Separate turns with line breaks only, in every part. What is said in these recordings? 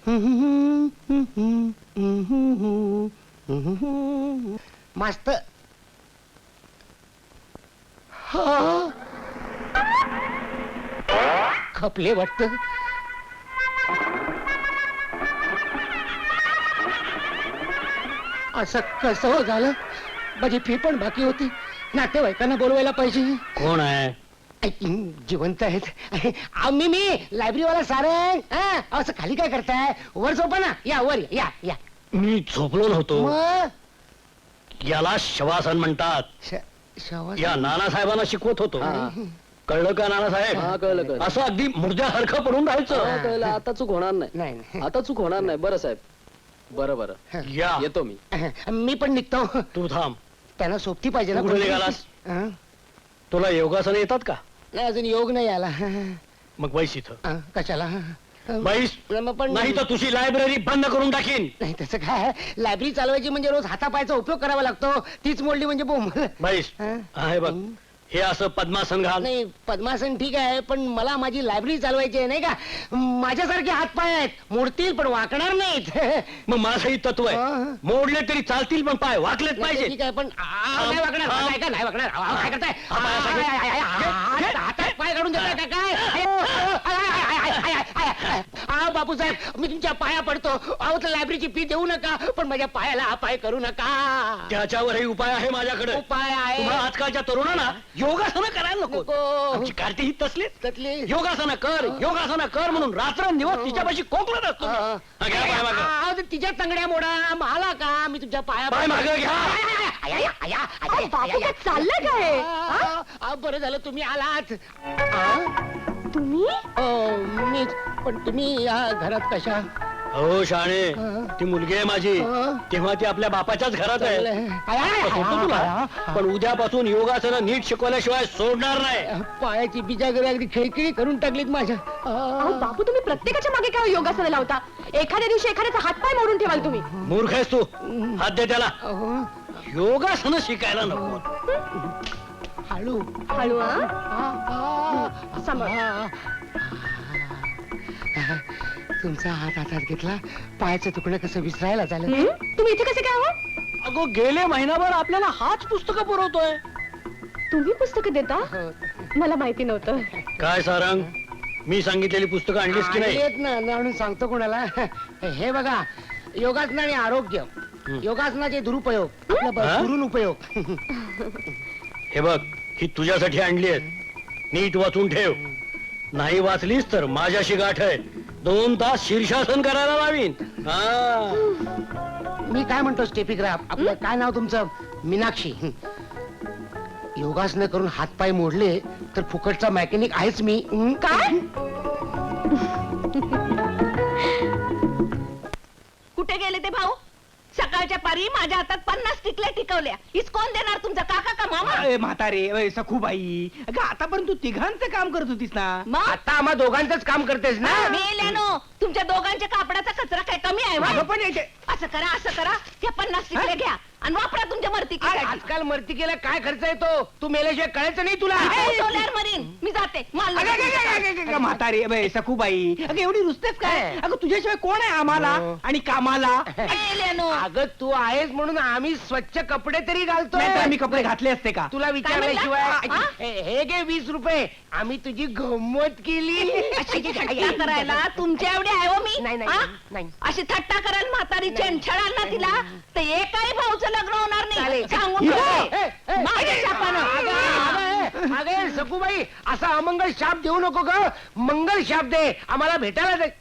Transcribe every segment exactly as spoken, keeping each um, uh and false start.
मस्त. खपले वाटत. असं कसं हो झालं? माझी फी पण बाकी होती. नातेवाईकांना बोलवायला पाहिजे.
कोण आहे?
जिवंत आहेत. आम्ही मी लायब्ररीवाला सारंग. हा, असं खाली काय करताय? वर झोपा ना. या वर या या.
मी झोपलो नव्हतो.
मग
याला शवासन म्हणतात.
श- शवा-
या नानासाहेबांना शिकवत होतो. कळलं का नानासाहेब?
हा, कळलं, कळलं.
असं अगदी मुर्द्यासारखं पडून राहायचं.
हा, कळलं. आता चूक होणार नाही.
नाही नाही.
आता चूक होणार नाही. बरं साहेब, बरं बरं,
या
येतो मी.
मी पण निघतो.
तू थांब.
त्यांना सोबती पाहिजे ना.
तू कुठे निघालास?
हा?
तुला योगासन येतात का?
नाही, अजून योग नाही आला.
मग बैस इथं.
हा, कशाला?
बैस.
मग पण
नाही तर तुझी लायब्ररी बंद करून टाकीन.
नाही तसं काय. लायब्ररी चालवायची म्हणजे रोज हातापायचा उपयोग करावा लागतो. तीच मोडली म्हणजे बोंब.
बैस.
हा?
आहे बघ, हे असं पद्मासन घाल.
नाही, पद्मासन ठीक आहे, पण मला माझी लायब्ररी चालवायची आहे, नाही का? माझ्यासारखे हातपाय आहेत, मोडतील पण वाकणार नाहीत.
मग माझंही तत्व आहे.
हा.
मोडले तरी चालतील पण पाय वाकलेच
नाही,
पाहिजे.
ठीक आहे, पण आ, नाही वाकणार.
हा.
काय का नाही वाकणार? आ, काय करताय?
हा, पाय असा घे.
आय, आय, आय, आय, हात- हातात पाय काढून देताय का काय? आय, आय, आय, आय, आय, आय, आय, आय. आ, बापूसाहेब, मी तुमच्या पाया पडतो. अहो, तर लायब्ररीची फी देऊ नका, पण माझ्या पायाला अपाय करू नका.
त्याच्यावरही उपाय आहे माझ्याकडे.
उपाय आहे.
तुम्हाला आजकालच्या तरुणांना योगासनं करायला नको.
नको.
आमची कार्ती ही तसलीच.
त्यातली
योगासनं कर, योगासनं कर म्हणून रात्रंदिवस तिच्यापाशी कोकणत असतो.
हा.
हा, घ्या पाय मागं.
आ, तर तिच्या तंगड्या मोडा. मला का? मी तुमच्या पाया
पाय मागं घ्या.
आय, आय, आय, आय, आय,
अहो,
आय,
बापू,
आय,
काय चाललंय काय?
आ, आ, बरं झालं तुम्ही आलात. आ?
तुम्ही
अ, मीच. पण तुम्ही या घरात कशा?
हो शाणे,
हा.
ती मुलगी आहे माझी.
हा.
तेव्हा ती आपल्या बापाच्याच घरात आहे.
चांगलं आहे. आय, आय, आय,
होतो तुला.
आय,
पण उद्यापासून योगासनं नीट शिकवल्याशिवाय सोडणार नाही.
पायाची बिजागरी अगदी खिळखिळी करून टाकलीत माझ्या.
अहो
आ.
बापू, तुम्ही प्रत्येकाच्या मागे काय योगासनं लावता? एखाद्या दिवशी एखाद्याचा हातपाय मोडून ठेवाल तुम्ही.
मूर्ख आहेस तू. हात दे त्याला.
अहो,
योगासनं शिकायला नको.
हळू.
हळू हा?
आ, आ,
सांभाळ.
आ. तुमचा हात हातात घेतला, पायाचं तुकडं कसं विसरायला झालं.
हं? तुम्ही इथे कसे काय हो?
अगो गेले महिनाभर आपल्याला हाच पुस्तकं पुरवतोय.
तुम्ही पुस्तकं देता?
हो.
मला माहिती नव्हतं.
काय सारंग, मी सांगितलेली पुस्तकं आणलीस की नाही?
येत ना म्हणून सांगतो कोणाला. हे बघा, योगासन आणि आरोग्य, योगासनाचे दुरुपयोग, आपला
हा?
दुरून उपयोग.
हे बघ, ही तुझ्यासाठी आणली आहेत. नीट वाचून ठेव. नाही वाचलीस तर माझ्याशी गाठ आहे. दोन तास शीर्षासन करायला लावीन. हा.
मी काय म्हणतो स्टेफिग्राफ, आपलं काय नाव तुमचं? मीनाक्षी. योगासन करून हातपाय मोडले तर फुकटचा मेकॅनिक आहेच मी. हं?
काय? कुठे गेले ते भाऊ? सकाळच्या पारी माझ्या हातात पन्नास टिकल्या टिकवल्या. हीच कोण देणार, तुमचा काका का मामा?
अरे म्हातारे, अय सखूबाई, अगं आतापर्यंत तू तिघांचं काम करत होतीस ना.
मग
आता आम्हा दोघांचंच काम करतेस ना.
मेल्यानो, तुमच्या दोघांच्या कापडाचा कचरा काय कमी आहे
अगं
व्हय?
पण याचे-
असं करा, असं करा, त्या पन्नास टिकल्या घ्या आणि वापरा तुमच्या मर्ती
आजकाल मर्तिकेला काय खर्च येतो? तू मेल्याशिवाय कळायचं नाही तुला.
मरीन. मी जाते माल
अगं, अगं, अगं, अगं, अगं, अगं, म्हातारे, अय सखूबाई, अगं एवढी रुसतेस काय?
काय?
अगं तुझ्याशिवाय कोण आहे आम्हाला
हो.
आणि कामाला?
मेल्यानो.
अगं तू आहेस म्हणून आम्ही स्वच्छ कपडे तरी घालतो.
नाहीतर आम्ही कपडे घातले असते का?
तुला विचारल्याशिवाय
म्हणला?
हे हे घे वीस रुपये, आम्ही तुझी गंमत केली.
अशी थट्टा करायला तुमच्या एवढी आहे हो मी?
नाही, नाही,
हा?
नाही.
अशी थट्टा करायला म्हातारी छळाल ना तिला तर एकाही भाऊचं लग्न होणार नाही.
चालेल.
सांगून
ए,
ठेवते.
ए, ए,
माझ्या शापानं.
अगं, अगं, अगं, सखूबाई, असा अमंगल शाप देऊ नको ग. मंगल शाप दे, आम्हाला भेटायला दे.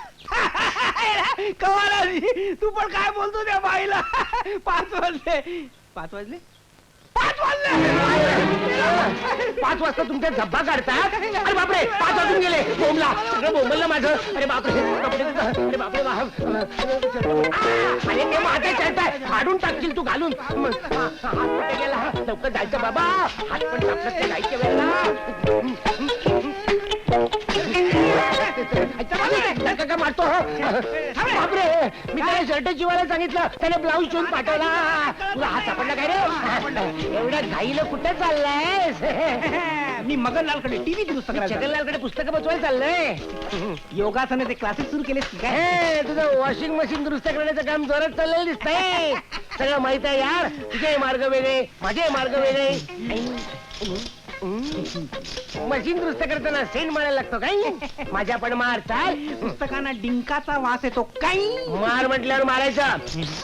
कमाल आली. तू पण काय बोलतो त्या बाईला? पाच वाजले. पाच वाजले? पाच वाजले.
पाच वाजता तुमच्या धब्बा काढतात. अरे बापरे, पाच वाजून गेले. बोंबला सगळं बोंबललं माझं. अरे बापरे, कपडे- अरे बापरे, वा- आ, अरे ते माझे शर्ट आहे, फाडून टाकशील तू घालून. म, हा, हात कुठे गेला? लवकर जायचं बाबा, हात पण टाकलं ते जायच्या वेळेला. का- का मारतो हो? बापरे, मी त्याला शर्ट शिवायला सांगितलं, त्याने ब्लाऊज शिवून पाठवला. तुला हात सापडला काय रे? एवढ्या घाईला कुठे चाललाय?
मी मगनलालकडे टीव्ही दुरुस्त करायला चाललोय.
छगनलालकडे पुस्तकं बसवायला चाललंय.
योगासनाचे क्लासेस सुरू केलेस की काय?
हे, तुझं वॉशिंग मशीन दुरुस्त करण्याचं काम जोरात चाललेलं दिसतंय. सगळं माहित आहे यार. तुझे मार्ग वेगळे, माझे मार्ग वेगळे. मशीन दुरुस्त करताना सेंट मारायला लागतो काय? माझ्या पण मार चाल.
पुस्तकांना डिंकाचा वास येतो काही.
मार म्हटल्यावर मारायचा.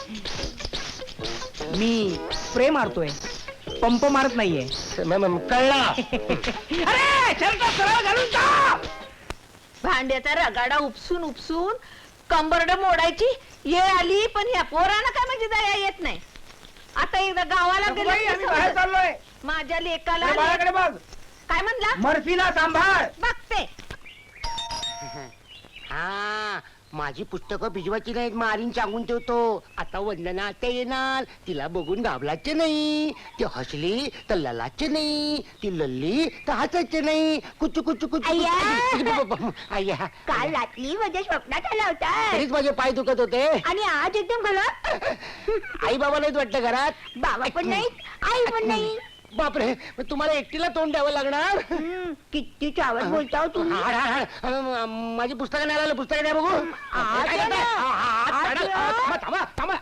मी स्प्रे मारतोय, पंप मारत नाहीये.
म- म- कळला.
अरे शर्ट सरळ घालून जा.
भांड्याचा रगाडा उपसून उपसून कंबरड मोडायची ये आली, पण ह्या पोरानं काय म्हणजे दया येत नाही. आता एकदा गावाला गेलो
बाई,
की
आम्ही बाहेर
समजलं.
चाललोय.
माझ्या लेकाला
त्या बाळाकडे बघ.
काय म्हणला?
मर्फीला सांभाळ.
बघते.
हा, माझी पुस्तकं भिजवायची नाहीत, मारीन सांगून ठेवतो. आता वंदना आता येणार, तिला बघून घाबरायचे नाही. ती हसली तर ललाचे नाही, ती लल्ली तर हसायचे नाही. कुचू कुचू कुचू
अय्या.
अय्या,
काल रात्री माझ्या स्वप्नात आला होता
तरीच माझे पाय दुखत होते.
आणि आज एकदम घाला.
आई बाबा नाहीत वाटतं घरात.
बाबा पण नाही, आई पण नाही.
बापरे, मग तुम्हाला एकटीला तोंड द्यावं लागणार.
हम्म, किती चावट बोलता हो तुम्ही.
हाड, हाड, हाड. अं, माझी पुस्तकं नाही आलं, पुस्तकं नाही बघू.
आज
काय
या
करताय?
ना.
हा, हा, हात
आज
काढा.
या.
थांबा, थांबा,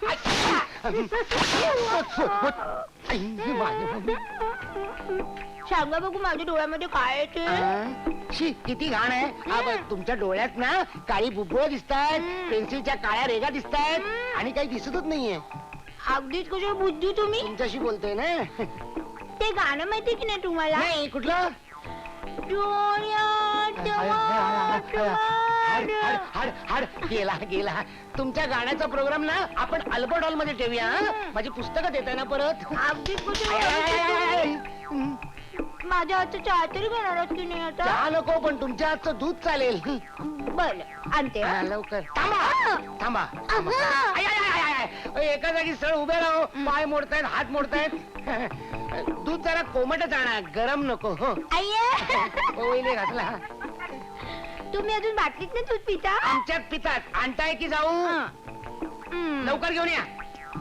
थांबा. आई, माझं.
सांगा बघू माझ्या डोळ्यामध्ये काय येते.
अं, शी, किती घाण आहे. हा, बघ, तुमच्या डोळ्यात ना काळी बुबुळ दिसतायत, पेन्सिलच्या काळ्या रेगा दिसतायत आणि काही दिसतच नाहीये.
अगदीच कशा बुद्धी तुम्ही.
तुमच्याशी बोलतोय ना.
ते गाणं माहिती की नाही तुम्हाला.
नाही, कुठलं?
डोळ्यात
हाड,
वाट
हाड, हाड, हाड. गेला गेला. तुमच्या गाण्याचा प्रोग्राम ना आपण अल्बर्ट हॉल मध्ये ठेवूया. हं? माझी पुस्तकं देताय ना परत.
अगदीच कशा
आय, आय, आय, आय, आय. हं.
माझ्या हातचं चहा तरी घेणारच की नाही आता.
चहा नको, पण तुमच्या हातचं दूध चालेल.
बरं आणते
हा,
हं.
लवकर. थांबा थांबा थांबा.
अगं.
आय, आय, आय, आय, आय. एका जागी सळ उभे राहो. पाय मोडतायत, हात मोडतायत. दूध जरा कोमटच आणा, गरम नको. हो
अय्या.
पवईने घातला.
तुम्ही अजून बाटलीत नाही दूध पिता.
आमच्यात पितात. आणताय की जाऊ?
हम्म.
लवकर घेऊन या.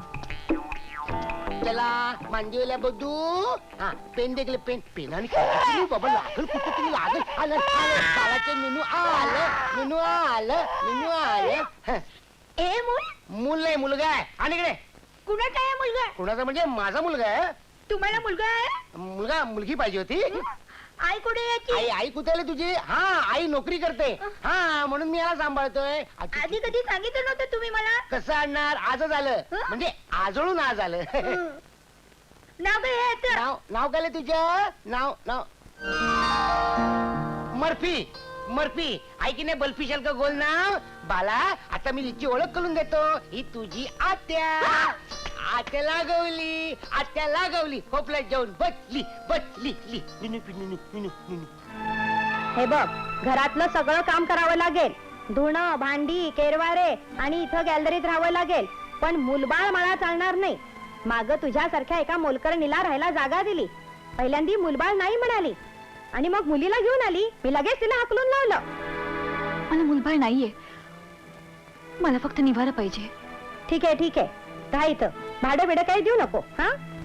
चला मांडीला बदू. हा, पेन देखले, पेन पेनाने काय बाबा लागल कुठं तुम्ही लागल. आलं आलं कालाचे मेनू आलं, मेनू आलं, मेनू आलं. हं.
ए मूल
मूल नाही, मुलगा आहे. आणि इकडे
कुणाचा आहे मुलगा.
कुणाचा म्हणजे माझा मुलगा आहे.
तुम्हाला मुलगा आहे.
मुलगा मुलगी पाहिजे होती.
आई कुठे याची.
आई आई कुठे आली तुझी. हा, आई नोकरी करते. हा, म्हणून मी याला सांभाळतोय. आजी-
आधी कधी सांगितलं नव्हतं तुम्ही मला.
कसं आणणार. आजच आलं.
हं?
म्हणजे आजळून आज आलं.
नाव काय आहे याचं?
नाव नाव काय आहे तुझं. नाव नाव मर्फी. मर्फी आई की नाही. बल्फी शल्क गोल नाव. बाला, आता मी तिची ओळख करून देतो. ही तुझी आत्या. आत्याला गवली, आत्याला गवली. खोपल्यात जाऊन बसली बसली ली. निनू पी, निनू, निनू, निनू.
हे बघ, घरातलं सगळं काम करावं लागेल. धुणं, भांडी, केरवारे आणि इथं गॅलरीत राहावं लागेल. पण मुलबाळ मला चालणार नाही. माग तुझ्यासारख्या एका मोलकरणीला राहायला जागा दिली. पहिल्यांदी मुलबाळ नाही म्हणाली आणि मग मुलीला घेऊन आली. मी लगेच तिला हाकलून लावलं.
मला मुलबाळ नाहीये, मला फक्त निवारा पाहिजे.
ठीक आहे ठीक आहे, राहा इथं. भाडं बिडं काही देऊ नको. हा,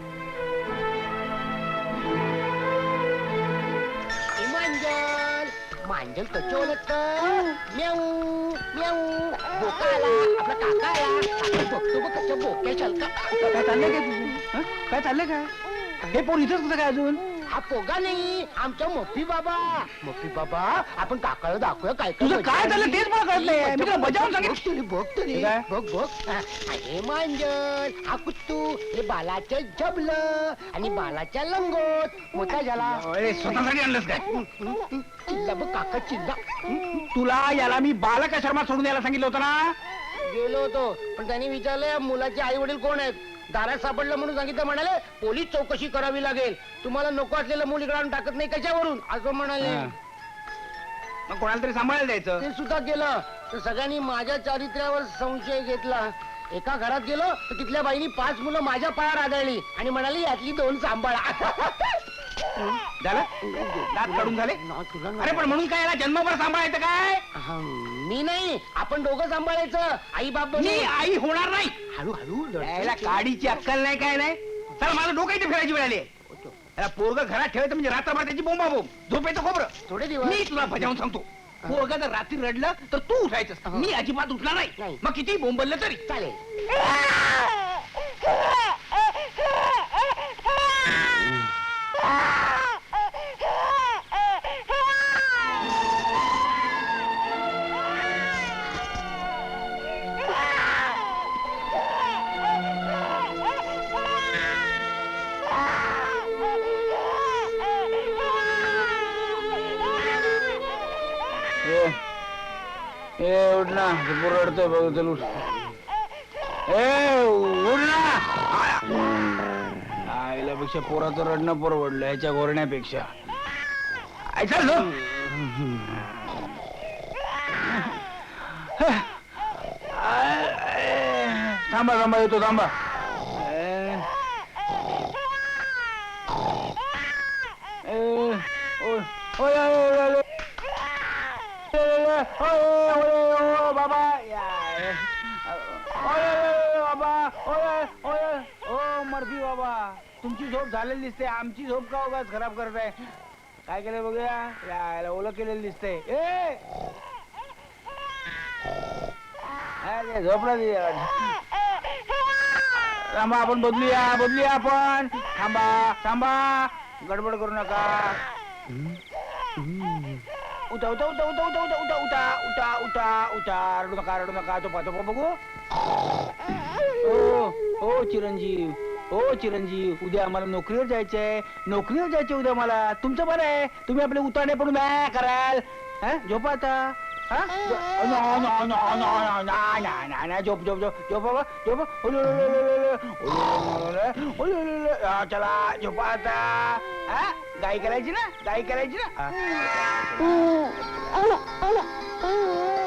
ए, मांजल मांजल कच्चे ओळखत. म्याऊ म्याऊ. बोका आला, आपला काका आला. काका बघतो बघ कच्च्या बोक्या शलका.
काय चाललंय काय तुझं? हं? काय चाललंय काय? हे पोर इथंच कसं काय अजून?
हा पोगा नाही, आमचा मोफी बाबा. मोफी बाबा, आपण काकाला दाखवूया काय
तुझं काय झालं तेच मला कळत नाही. मी तुला बजावून सांगितलं.
बघ तरी, बघ तरी.
काय?
बघ बघ. हा, हे मांजर, हा कुत्तू, हे बालाचं जबलं आणि बालाच्या लंगोट. मोठा झाला.
अरे, स्वतःसाठी आणलंस काय?
चिल्ला बघ काका, चिल्ला.
तुला याला मी बालका शर्मा सोडून यायला सांगितलं होतं ना.
गेलो होतो, पण त्यांनी विचारलं मुलाचे आई वडील कोण आहेत. दारात सापडलं म्हणून सांगितलं. म्हणाले पोलीस चौकशी करावी लागेल. तुम्हाला नको असलेलं मूल इकडे आणून टाकत नाही कशावरून, असं म्हणाले.
हा. मग कोणाला तरी सांभाळायला द्यायचं.
ते सुद्धा केलं. तर सगळ्यांनी माझ्या चारित्र्यावर संशय घेतला. एका घरात गेलो तर तिथल्या बाईनी पाच मुलं माझ्या पायावर आदळली आणि म्हणाली यातली दोन सांभाळा.
झालं दात काढून झाले. अरे पण म्हणून काय याला जन्मभर सांभाळायचं काय.
हा, मी नाही, आपण दोघं सांभाळायचं. आई बाप
मी आई होणार नाही.
हळूहळू
याला काडीची अक्कल नाही काय नाही. चला माझं डोकं इथे फिरायची वेळ आली आहे. पोरग घरात ठेवायचं म्हणजे रात्रभर त्याची बोंबा बोंब झोपेचं खोबरं.
थोडे दिवस
मी तुला बजावून सांगतो, पोरग जर रात्री रडलं तर तू उठायचं, मी अजिबात उठणार नाही.
नाही.
मग किती बोंबललं तरी
चालेल.
ए उठ ना, पोर रडतोय बघ, चल उठ. ए उठ ना. आईला पेक्षा पोराचं रडणं परवडलं ह्याच्या गोरण्यापेक्षा. आई चल झोप. थांबा थांबा येतो थांबा. ए, ओ, ओ, या, या, या, या. बाबा ओ मर्फी बाबा, तुमची झोप झालेली दिसते, आमची झोप का उगाच खराब करताय? काय केलं बघूया, यायला ओलं केलेलं दिसतंय. ए अरे झोपला दे. थांबा आपण बदलूया बदलूया आपण. थांबा थांबा, गडबड करू नका. उठा उठा उठा उठा उठा उठा उठा उठा उठा उठा उठा रडू नका रडू नका. तो पाहतो बघू. हो हो चिरंजीव, हो चिरंजीव, उद्या आम्हाला नोकरीवर जायचंय, नोकरीवर जायचंय उद्या मला. तुमचं बरं आहे, तुम्ही आपले उताने पडून काय कराल? हा झोपा आता. हा नो नो नो नो ना ना ना ना झोप झोप झोप झोप बाबा झोप. चला झोपा आता. हा गाई करायची ना, गाई करायची ना.